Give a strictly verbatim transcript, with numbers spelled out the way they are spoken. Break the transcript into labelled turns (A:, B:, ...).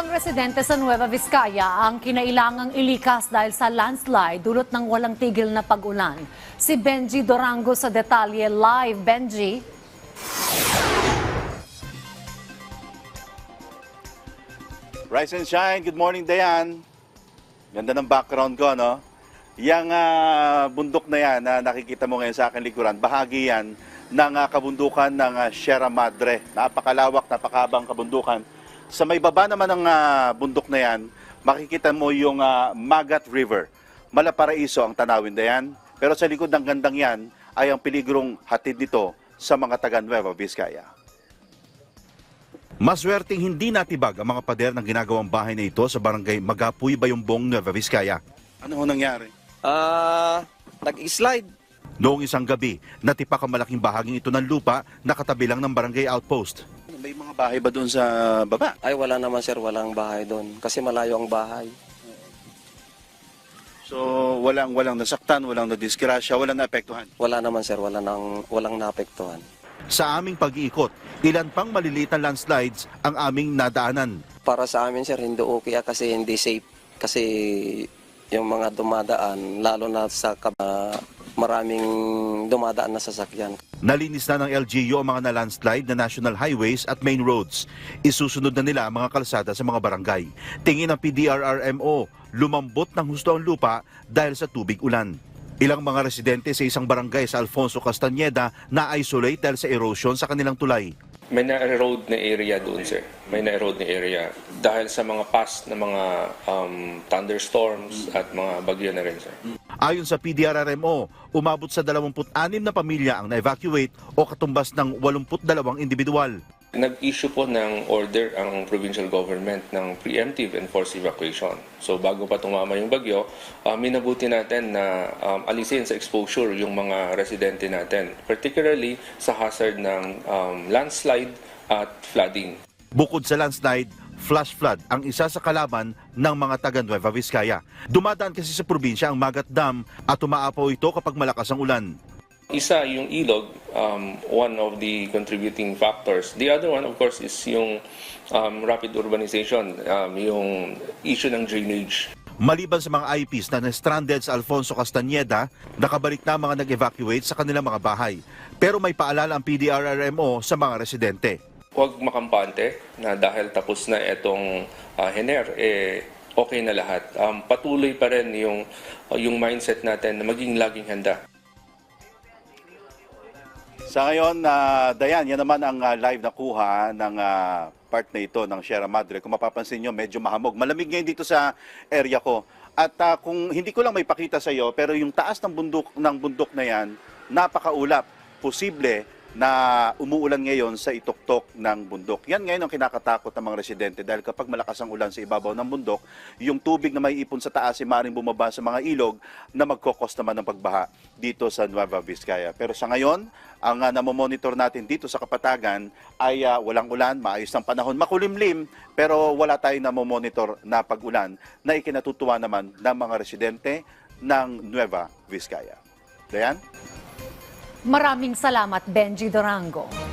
A: Ilang residente sa Nueva Vizcaya ang kinailangang ilikas dahil sa landslide dulot ng walang tigil na pag-ulan. Si Benji Dorango sa detalye live. Benji.
B: Rise and shine. Good morning, Dayan. Ganda ng background ko, no? Yang uh, bundok na yan na nakikita mo ngayon sa akin likuran, bahagi yan ng uh, kabundukan ng uh, Sierra Madre. Napakalawak, napakabang kabundukan. Sa may baba naman ng uh, bundok na yan, makikita mo yung uh, Magat River. Malaparaiso ang tanawin na yan. Pero sa likod ng gandang yan ay ang peligrong hatid nito sa mga taga Nueva Vizcaya. Maswerteng hindi natibag ang mga pader ng ginagawang bahay na ito sa barangay Magapuy, Bayumbong, Nueva Vizcaya. Ano ho nangyari?
C: Ah, uh, nag-slide.
B: Noong isang gabi, natipak ang malaking bahaging ito ng lupa na katabi lang ng barangay outpost. May mga bahay ba doon sa baba?
C: Ay, wala naman sir, walang bahay doon. Kasi malayo ang bahay.
B: So, walang walang nasaktan, walang nadisgrasya, walang naapektuhan?
C: Wala naman sir, wala nang, walang naapektuhan.
B: Sa aming pag-iikot, ilan pang maliliit na landslides ang aming nadaanan.
C: Para sa amin sir, hindi okay kasi hindi safe. Kasi yung mga dumadaan, lalo na sa uh, maraming dumadaan na sasakyan.
B: Nalinis na ng L G U ang mga na-landslide na national highways at main roads. Isusunod na nila ang mga kalsada sa mga barangay. Tingin ng P D R R M O, lumambot ng husto ang lupa dahil sa tubig ulan. Ilang mga residente sa isang barangay sa Alfonso Castañeda na-isolate dahil sa erosion sa kanilang tulay.
D: May na-erode na area doon, sir. May na-erode na area dahil sa mga past na mga um, thunderstorms at mga bagyo na rin, sir.
B: Ayon sa P D R R M O, umabot sa dalawampu't anim na pamilya ang na-evacuate o katumbas ng walumpu't dalawang individual.
D: Nag-issue po ng order ang provincial government ng preemptive and forced evacuation. So bago pa tumama yung bagyo, uh, minabuti natin na um, alisin sa exposure yung mga residente natin, particularly sa hazard ng um, landslide at flooding.
B: Bukod sa landslide, flash flood ang isa sa kalaban ng mga taga Nueva Vizcaya. Dumadaan kasi sa probinsya ang Magat Dam at umaapaw ito kapag malakas ang ulan.
D: Isa yung ilog, um, one of the contributing factors. The other one, of course, is yung um, rapid urbanization, um, yung issue ng drainage.
B: Maliban sa mga I Ps na na-stranded sa Alfonso Castañeda, nakabalik na mga nag-evacuate sa kanilang mga bahay. Pero may paalala ang P D R R M O sa mga residente.
D: Huwag makampante na dahil tapos na itong uh, Hener, eh, okay na lahat. Um, patuloy pa rin yung, uh, yung mindset natin na maging laging handa. Sa ngayon, uh, Dayan, yan naman ang uh, live na kuha ng uh, part na ito ng Sierra Madre. Kung mapapansin nyo, medyo mahamog. Malamig ngayon dito sa area ko. At uh, kung hindi ko lang may pakita sa iyo, pero yung taas ng bundok, ng bundok na yan, napakaulap. Posible na umuulan ngayon sa ituktok ng bundok. Yan ngayon ang kinakatakot ng mga residente dahil kapag malakas ang ulan sa ibabaw ng bundok, yung tubig na may ipon sa taas ay maaaring bumaba sa mga ilog na magkokos naman ng pagbaha dito sa Nueva Vizcaya. Pero sa ngayon, ang uh, namomonitor natin dito sa Kapatagan ay uh, walang ulan, maayos ng panahon, makulimlim, pero wala tayong namomonitor na pag-ulan na ikinatutuwa naman ng mga residente ng Nueva Vizcaya. Dayan?
A: Maraming salamat, Benji Dorango.